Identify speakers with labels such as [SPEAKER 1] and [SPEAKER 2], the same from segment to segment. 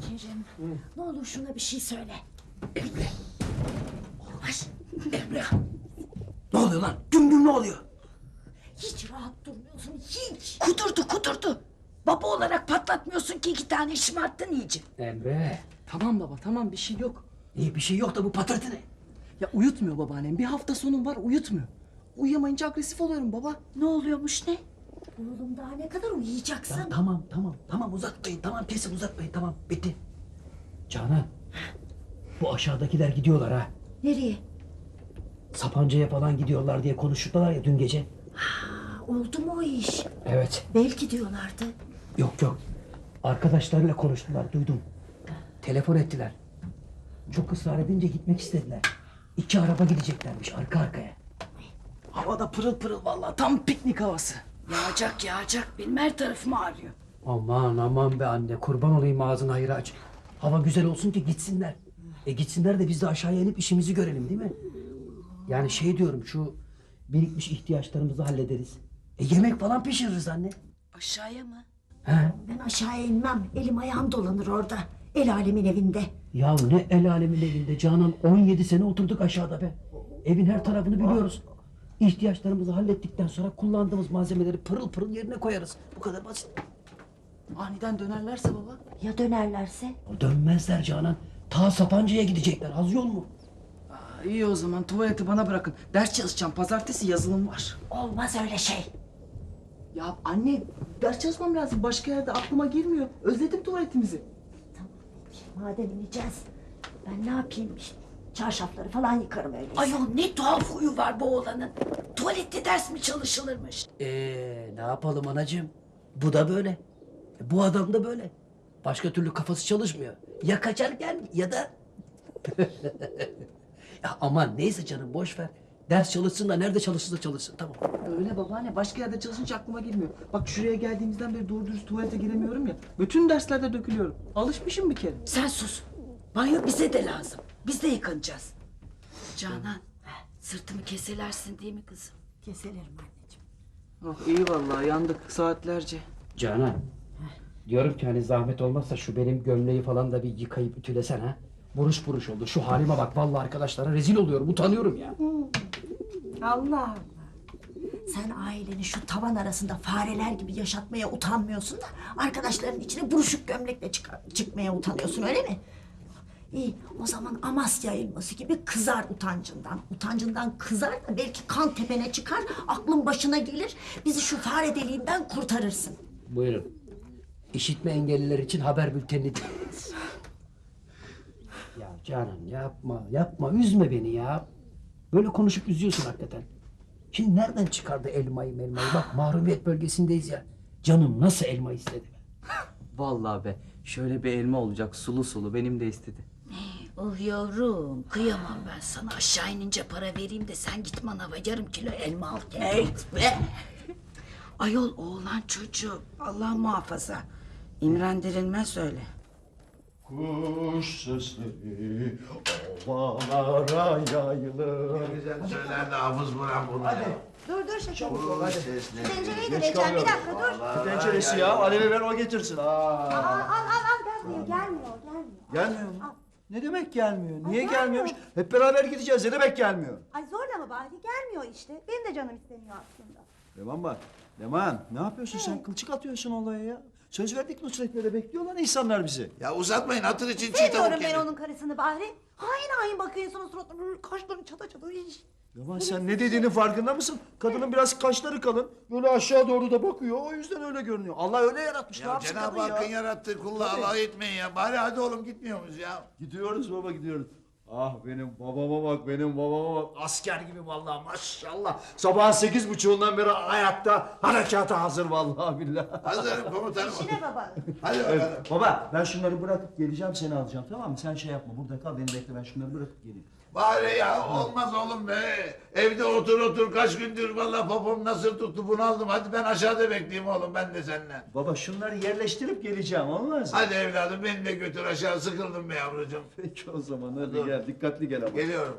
[SPEAKER 1] Kerim, ne olur şuna bir şey söyle.
[SPEAKER 2] Emre.
[SPEAKER 1] Ay,
[SPEAKER 2] Emre. Ne oluyor lan? Güm güm ne oluyor?
[SPEAKER 1] hiç rahat durmuyorsun, hiç. Kudurdu. Baba olarak patlatmıyorsun ki 2 tane şımarttın iyice.
[SPEAKER 2] Emre.
[SPEAKER 3] Tamam baba tamam bir şey yok.
[SPEAKER 2] İyi bir şey yok da bu patırtı ne?
[SPEAKER 3] Ya uyutmuyor babaannem. Bir hafta sonum var uyutmuyor. Uyuyamayınca agresif oluyorum baba.
[SPEAKER 1] Ne oluyormuş ne? Oğlum daha ne kadar uyuyacaksın?
[SPEAKER 2] Ya tamam uzatmayın. Tamam kesin uzatmayın. Tamam bitti. Canan. Bu aşağıdakiler gidiyorlar ha.
[SPEAKER 1] Nereye?
[SPEAKER 2] Sapanca'ya falan gidiyorlar diye konuştular ya dün gece.
[SPEAKER 1] Oldu mu o iş?
[SPEAKER 2] Evet.
[SPEAKER 1] Belki diyorlardı.
[SPEAKER 2] Yok. Arkadaşlarıyla konuştular duydum. Telefon ettiler. Çok ısrar edince gitmek istediler. 2 araba gideceklermiş arka arkaya.
[SPEAKER 3] Havada pırıl pırıl vallahi tam piknik havası.
[SPEAKER 1] Yağacak. Benim her tarafım ağrıyor.
[SPEAKER 2] Aman be anne kurban olayım ağzını hayır aç. Hava güzel olsun ki gitsinler. Gitsinler de biz de aşağıya inip işimizi görelim değil mi? Yani şey diyorum şu birikmiş ihtiyaçlarımızı hallederiz. Yemek falan pişiririz anne.
[SPEAKER 1] Aşağıya mı?
[SPEAKER 2] He?
[SPEAKER 1] Ben aşağıya inmem. Elim ayağım dolanır orada. El alemin evinde.
[SPEAKER 2] Ya ne el alemin evinde Canan 17 sene oturduk aşağıda be. Evin her tarafını biliyoruz. İhtiyaçlarımızı hallettikten sonra kullandığımız malzemeleri pırıl pırıl yerine koyarız. Bu kadar basit.
[SPEAKER 3] Aniden dönerlerse baba.
[SPEAKER 1] Ya dönerlerse?
[SPEAKER 2] Dönmezler Canan. Ta Sapanca'ya gidecekler. Az yol mu?
[SPEAKER 3] İyi o zaman tuvaleti bana bırakın. Ders çalışacağım. Pazartesi yazılım var.
[SPEAKER 1] Olmaz öyle şey.
[SPEAKER 3] Ya anne ders çalışmam lazım. Başka yerde aklıma girmiyor. Özledim tuvaletimizi.
[SPEAKER 1] Tamam. Madem ineceğiz. Ben ne yapayım? Çarşafları falan yıkarım öyleyse. Ayol ne tuhaf huyu var bu oğlanın. Tuvalette ders mi çalışılırmış?
[SPEAKER 2] Ne yapalım anacığım? Bu da böyle. Bu adam da böyle. Başka türlü kafası çalışmıyor. Ya kaçarken ya da... Ya aman neyse canım boş ver. Ders çalışsın da nerede çalışırsa çalışsın tamam.
[SPEAKER 3] Öyle babaanne. Başka yerde çalışınca aklıma girmiyor. Bak şuraya geldiğimizden beri doğru dürüst tuvalete giremiyorum ya. Bütün derslerde dökülüyorum. Alışmışım bir kere.
[SPEAKER 1] Sen sus. Banyo bize de lazım. Biz de yıkanacağız. Canan, sırtımı keselersin değil mi kızım? Keselerim anneciğim.
[SPEAKER 3] Oh iyi vallahi yandık saatlerce.
[SPEAKER 2] Canan. Diyorum ki hani zahmet olmazsa şu benim gömleği falan da bir yıkayıp ütülesen ha. Buruş oldu. Şu halime bak vallahi arkadaşlara rezil oluyorum. Utanıyorum ya.
[SPEAKER 1] Allah. Sen aileni şu tavan arasında fareler gibi yaşatmaya utanmıyorsun da arkadaşların içine buruşuk gömlekle çıkmaya utanıyorsun öyle mi? İyi o zaman Amasya elması gibi kızar utancından. Utancından kızar da belki kan tepene çıkar, aklın başına gelir. Bizi şu fare deliğinden kurtarırsın.
[SPEAKER 2] Buyurun. İşitme engelliler için haber bültenini dinlediniz. Ya Canan yapma üzme beni ya. Böyle konuşup üzüyorsun hakikaten. Şimdi nereden çıkardı elmayı? Bak mahrumiyet bölgesindeyiz ya. Canım nasıl elma istedi be.
[SPEAKER 3] Vallahi be şöyle bir elma olacak sulu sulu benim de istedi.
[SPEAKER 1] Oh yavrum kıyamam ben sana aşağı inince para vereyim de sen git manava yarım kilo elma al gel. Be. Ayol oğlan çocuğu Allah muhafaza. İmrendirilmez öyle.
[SPEAKER 4] Kuş sesleri ovalara yayılır.
[SPEAKER 5] Ne güzel söylerdi Hafız Burhan bunu ya.
[SPEAKER 6] Dur şekerim.
[SPEAKER 5] Kuş sesleri.
[SPEAKER 6] Tencereyi de
[SPEAKER 4] Geç
[SPEAKER 6] vereceğim bir
[SPEAKER 4] kalıyorum.
[SPEAKER 6] dakika dur.
[SPEAKER 4] Ne tenceresi ya? Alevi ver o getirsin.
[SPEAKER 6] Al gelmiyor.
[SPEAKER 4] Gelmiyor mu? Ne demek gelmiyor? Niye gelmiyormuş? Hep beraber gideceğiz. Ne demek gelmiyor?
[SPEAKER 6] Ay zorla mı bari gelmiyor işte. Benim de canım istemiyor aslında.
[SPEAKER 4] Leman bak. Leman ne yapıyorsun sen? Kılçık atıyorsun olaya ya. Söz verdik Nusret böyle bekliyorlar insanlar bizi.
[SPEAKER 5] Ya uzatmayın hatır için çiğ
[SPEAKER 6] Sevmiyorum
[SPEAKER 5] tavuk
[SPEAKER 6] ben
[SPEAKER 5] yedim.
[SPEAKER 6] onun karısını bari. Hain bakıyorsun suratına kaşlarını çata. Iş.
[SPEAKER 4] Leman sen ne dediğinin farkında mısın? Kadının biraz kaşları kalın. Böyle aşağı doğru da bakıyor. O yüzden öyle görünüyor. Allah öyle yaratmış. Ne
[SPEAKER 5] Ya
[SPEAKER 4] yapsın
[SPEAKER 5] Cenab-ı
[SPEAKER 4] kadın
[SPEAKER 5] Hakk'ın
[SPEAKER 4] ya?
[SPEAKER 5] yarattığı kulla
[SPEAKER 4] Tabii.
[SPEAKER 5] alay etmeyin ya. Bari hadi oğlum gitmiyor muyuz ya?
[SPEAKER 4] Gidiyoruz baba gidiyoruz. Ah benim babama bak benim babama bak. Asker gibi vallahi maşallah. Sabahın 8.30'undan beri ayakta harekata hazır vallahi billahi.
[SPEAKER 5] Hazırım komutanım.
[SPEAKER 6] İşine baba.
[SPEAKER 5] Hadi bakalım.
[SPEAKER 4] Evet, baba ben şunları bırakıp geleceğim seni alacağım tamam mı? Sen şey yapma burada kal beni bekle ben şunları bırakıp geleyim.
[SPEAKER 5] Bari ya olmaz oğlum be. Evde otur kaç gündür vallahi popom nasıl tuttu bunaldım. Hadi ben aşağıda bekleyeyim oğlum ben de seninle.
[SPEAKER 4] Baba şunları yerleştirip geleceğim olmaz mı?
[SPEAKER 5] Hadi evladım beni de götür aşağı sıkıldım be yavrucuğum.
[SPEAKER 4] Peki o zaman hadi
[SPEAKER 5] Dur.
[SPEAKER 4] gel dikkatli gel ama.
[SPEAKER 5] Geliyorum.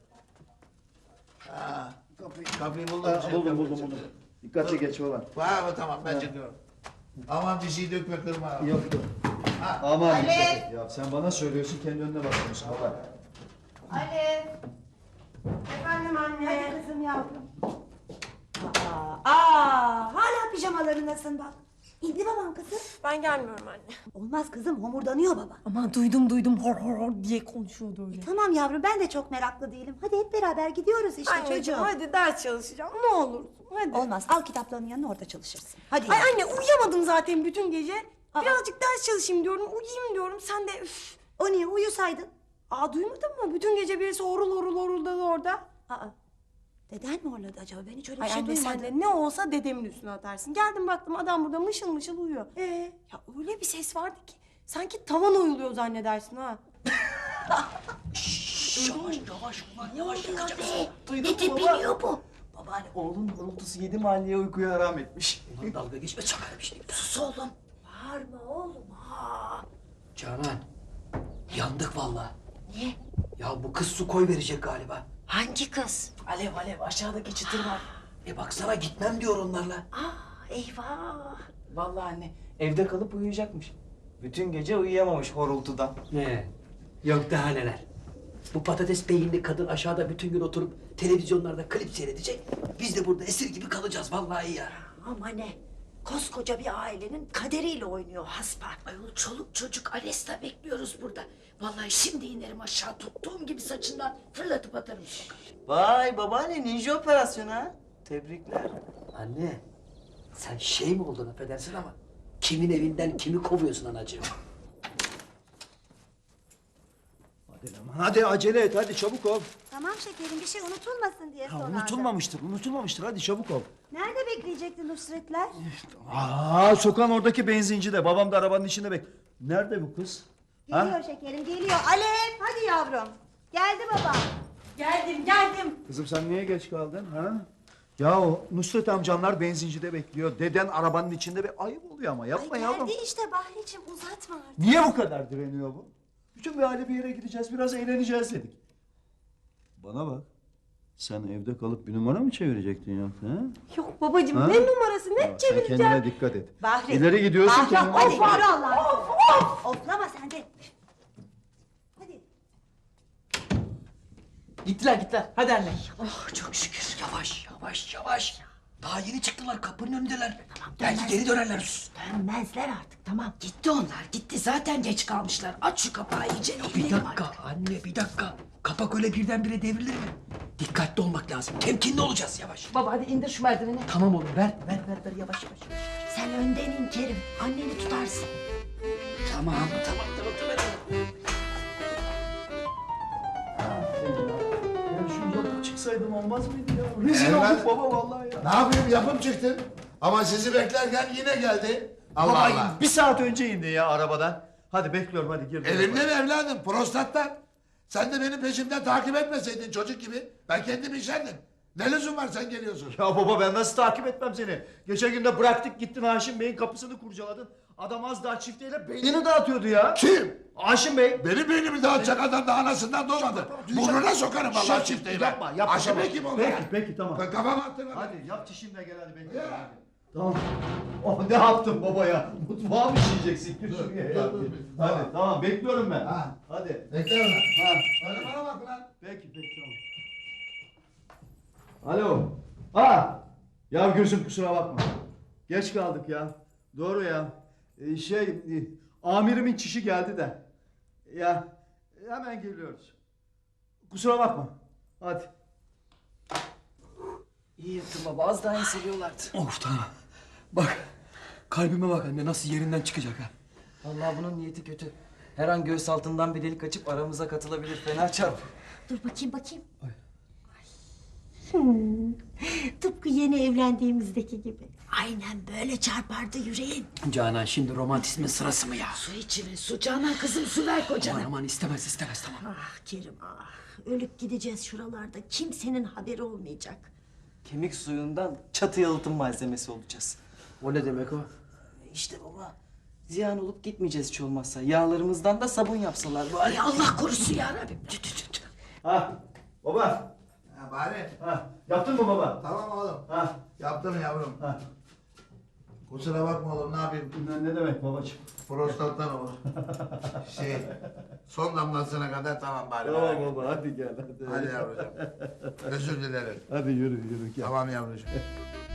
[SPEAKER 5] Kapıyı buldum.
[SPEAKER 4] Ha, buldum. Dikkatli geç baba.
[SPEAKER 5] Tamam ben çıkıyorum. Aman bir şey dökme kırma.
[SPEAKER 4] Yok. Aman
[SPEAKER 6] Ali!
[SPEAKER 4] dikkat et ya. Sen bana söylüyorsun, kendi önüne bakıyorsun baba.
[SPEAKER 6] Ali. Efendim anne.
[SPEAKER 1] Hadi kızım yavrum.
[SPEAKER 6] Hala pijamalarındasın bak. İndi babam kızım.
[SPEAKER 7] Ben gelmiyorum anne.
[SPEAKER 6] Olmaz kızım, homurdanıyor baba.
[SPEAKER 7] Aman duydum hor hor hor diye konuşuyordu öyle.
[SPEAKER 6] Tamam yavrum, ben de çok meraklı değilim. Hadi hep beraber gidiyoruz işte
[SPEAKER 7] Anneciğim
[SPEAKER 6] çocuğum.
[SPEAKER 7] hadi ders çalışacağım ne olursun hadi.
[SPEAKER 6] Olmaz, al kitaplarının yanına, orada çalışırsın. Hadi
[SPEAKER 7] Ay
[SPEAKER 6] yavrum.
[SPEAKER 7] anne uyuyamadım zaten bütün gece.
[SPEAKER 6] Aa.
[SPEAKER 7] Birazcık ders çalışayım diyorum, uyuyayım diyorum. Sen de üf.
[SPEAKER 6] O niye, uyusaydın?
[SPEAKER 7] Aa duymadın mı? Bütün gece birisi horul horul horuldadı orada.
[SPEAKER 6] Aa, deden mi horladı acaba? Ben hiç öyle bir
[SPEAKER 7] Ay
[SPEAKER 6] şey
[SPEAKER 7] anne sen
[SPEAKER 6] duymadım.
[SPEAKER 7] de ne olsa dedemin üstüne atarsın. Geldim baktım adam burada mışıl mışıl uyuyor.
[SPEAKER 6] Ee?
[SPEAKER 7] Ya öyle bir ses vardı ki sanki tavan oyuluyor zannedersin ha.
[SPEAKER 3] Duydun mu baba? Babaanne oğlun horultusu 7 mahalleye uykuya haram etmiş.
[SPEAKER 2] Ulan dalga geçme çakarım işte.
[SPEAKER 1] Sus oğlum. Bağırma oğlum ha.
[SPEAKER 2] Canan, yandık vallahi.
[SPEAKER 1] Niye?
[SPEAKER 2] Ya bu kız su koy verecek galiba.
[SPEAKER 1] Hangi kız?
[SPEAKER 3] Alev alev aşağıdaki çıtır var.
[SPEAKER 2] Baksana gitmem diyor onlarla.
[SPEAKER 1] Eyvah.
[SPEAKER 3] Vallahi anne evde kalıp uyuyacakmış. Bütün gece uyuyamamış horultudan.
[SPEAKER 2] Ne? Yok daha neler. Bu patates beyinli kadın aşağıda bütün gün oturup televizyonlarda klip seyredecek. Biz de burada esir gibi kalacağız vallahi ya.
[SPEAKER 1] Ama ne? Koskoca bir ailenin kaderiyle oynuyor haspa. Ayol çoluk çocuk Alesta bekliyoruz burada. Vallahi şimdi inerim aşağı tuttuğum gibi saçından fırlatıp atarım sokağa.
[SPEAKER 3] Vay babaanne ninja operasyonu ha. Tebrikler.
[SPEAKER 2] Anne, sen şey mi oldun affedersin ama kimin evinden kimi kovuyorsun anacığım?
[SPEAKER 4] Hadi aman, hadi acele et, hadi çabuk ol.
[SPEAKER 6] Tamam şekerim, bir şey unutulmasın diye
[SPEAKER 4] Ha,
[SPEAKER 6] sorardım.
[SPEAKER 4] unutulmamıştır, hadi çabuk ol.
[SPEAKER 6] Nerede bekleyecekti Nusretler?
[SPEAKER 4] Sokağın oradaki benzincide, babam da arabanın içinde Nerede bu kız?
[SPEAKER 6] Geliyor şekerim, geliyor. Alev, hadi yavrum. Geldi baba.
[SPEAKER 7] Geldim.
[SPEAKER 4] Kızım sen niye geç kaldın ha? Ya o Nusret amcanlar benzincide bekliyor. Deden arabanın içinde ayıp oluyor ama yapma yavrum.
[SPEAKER 6] Geldi işte Bahriciğim, uzatma artık.
[SPEAKER 4] Niye bu kadar direniyor bu? Bütün bir aile bir yere gideceğiz, biraz eğleneceğiz dedik. Bana bak. Sen evde kalıp bir numara mı çevirecektin yoksa ha?
[SPEAKER 7] Yok babacığım
[SPEAKER 4] Ha?
[SPEAKER 7] ne numarası ne
[SPEAKER 4] Ya, sen
[SPEAKER 7] çevireceğim.
[SPEAKER 4] kendine dikkat et.
[SPEAKER 6] Bahri.
[SPEAKER 4] İleri gidiyorsun
[SPEAKER 6] Bahri,
[SPEAKER 4] kendine
[SPEAKER 6] hadi
[SPEAKER 4] dikkat et.
[SPEAKER 6] yürü Allah'ım. Oflama sen de. Hadi.
[SPEAKER 3] Gittiler. Hadi anne.
[SPEAKER 2] Oh çok şükür. Yavaş. Daha yeni çıktılar kapının önündeler.
[SPEAKER 1] Tamam,
[SPEAKER 2] Belki
[SPEAKER 1] dönmez.
[SPEAKER 2] geri dönerler. Sus.
[SPEAKER 1] Dönmezler artık tamam. Gitti onlar gitti. Zaten geç kalmışlar. Aç şu kapağı iyice.
[SPEAKER 2] Bir dakika anne bir dakika. Kapak öyle birdenbire devrilir mi? Dikkatli olmak lazım. Temkinli olacağız yavaş.
[SPEAKER 3] Baba hadi indir şu merdiveni.
[SPEAKER 2] Tamam oğlum ver yavaş.
[SPEAKER 1] Sen önden in Kerim. Anneni tutarsın.
[SPEAKER 2] Tamam.
[SPEAKER 4] Ya şu yapıp çıksaydım olmaz mıydı ya? Rezil
[SPEAKER 5] Evlat.
[SPEAKER 4] olduk baba vallahi ya.
[SPEAKER 5] Ne yapayım yapıp çıktım. Ama sizi beklerken yine geldi. Allah
[SPEAKER 4] Baba
[SPEAKER 5] Allah.
[SPEAKER 4] bir saat önce indi ya arabadan. Hadi bekliyorum hadi gir.
[SPEAKER 5] Elimde mi evladım? Prostattan. Sen de benim peşimden takip etmeseydin çocuk gibi. Ben kendim işerdim. Ne lüzum var sen geliyorsun?
[SPEAKER 4] Ya baba ben nasıl takip etmem seni? Geçen gün de bıraktık gittin Haşim Bey'in kapısını kurcaladın. Adam az daha çifteyle beynini dağıtıyordu ya.
[SPEAKER 5] Kim?
[SPEAKER 4] Haşim Bey.
[SPEAKER 5] Benim beynimi dağıtacak adam da anasından doğmadı. Burnuna sokarım vallahi çifteyi ben.
[SPEAKER 4] Yapma.
[SPEAKER 5] Aşım
[SPEAKER 4] tamam.
[SPEAKER 5] Bey kim oldu
[SPEAKER 4] Peki,
[SPEAKER 5] ya?
[SPEAKER 4] peki tamam.
[SPEAKER 5] Kafama attın hadi.
[SPEAKER 4] Hadi yap çişimle gel hadi bekliyorum. Tamam. Oh ne yaptın baba ya? Mutfağa mı işleyeceksin? Gir şuraya ya. Hadi tamam bekliyorum ben.
[SPEAKER 5] Ha.
[SPEAKER 4] Hadi.
[SPEAKER 5] Bekle lan. Ha. Hadi bana bak lan.
[SPEAKER 4] Peki tamam. Alo. Ya gözüm kusura bakma. Geç kaldık ya. Doğru ya. Amirimin çişi geldi de. Ya hemen geliyoruz. Kusura bakma. Hadi.
[SPEAKER 3] İyi yaptın baba az daha hissediyorlardı.
[SPEAKER 2] Of tamam. Bak kalbime bak anne nasıl yerinden çıkacak ha.
[SPEAKER 3] Vallahi bunun niyeti kötü. Her an göğüs altından bir delik açıp aramıza katılabilir. Fena çarp.
[SPEAKER 1] Dur bakayım. Tıpkı yeni evlendiğimizdeki gibi. Aynen böyle çarpardı yüreğin.
[SPEAKER 2] Canan şimdi romantizmin sırası mı ya?
[SPEAKER 1] Su içine su. Canan kızım su ver kocana.
[SPEAKER 2] Aman istemez tamam.
[SPEAKER 1] Ah Kerim ah. Ölüp gideceğiz şuralarda. Kimsenin haberi olmayacak.
[SPEAKER 3] Kemik suyundan çatı yalıtım malzemesi olacağız.
[SPEAKER 2] O ne demek o?
[SPEAKER 3] İşte baba. Ziyan olup gitmeyeceğiz hiç olmazsa. Yağlarımızdan da sabun yapsalar bari.
[SPEAKER 1] Ay Allah korusun ya Rabbim. Tü.
[SPEAKER 4] Baba.
[SPEAKER 5] Ha bari.
[SPEAKER 4] Yaptın mı baba?
[SPEAKER 5] Tamam oğlum.
[SPEAKER 4] Ha.
[SPEAKER 5] Yaptım yavrum.
[SPEAKER 4] Ha.
[SPEAKER 5] Kusura bakma oğlum, ne yapayım?
[SPEAKER 4] Ne demek babacığım?
[SPEAKER 5] Prostattan olur. Şey, son damlasına kadar tamam bari.
[SPEAKER 4] Tamam
[SPEAKER 5] merak etme.
[SPEAKER 4] baba hadi gel hadi.
[SPEAKER 5] Hadi yavrucuğum. Özür dilerim.
[SPEAKER 4] Hadi yürü yürü gel.
[SPEAKER 5] Tamam yavrucuğum.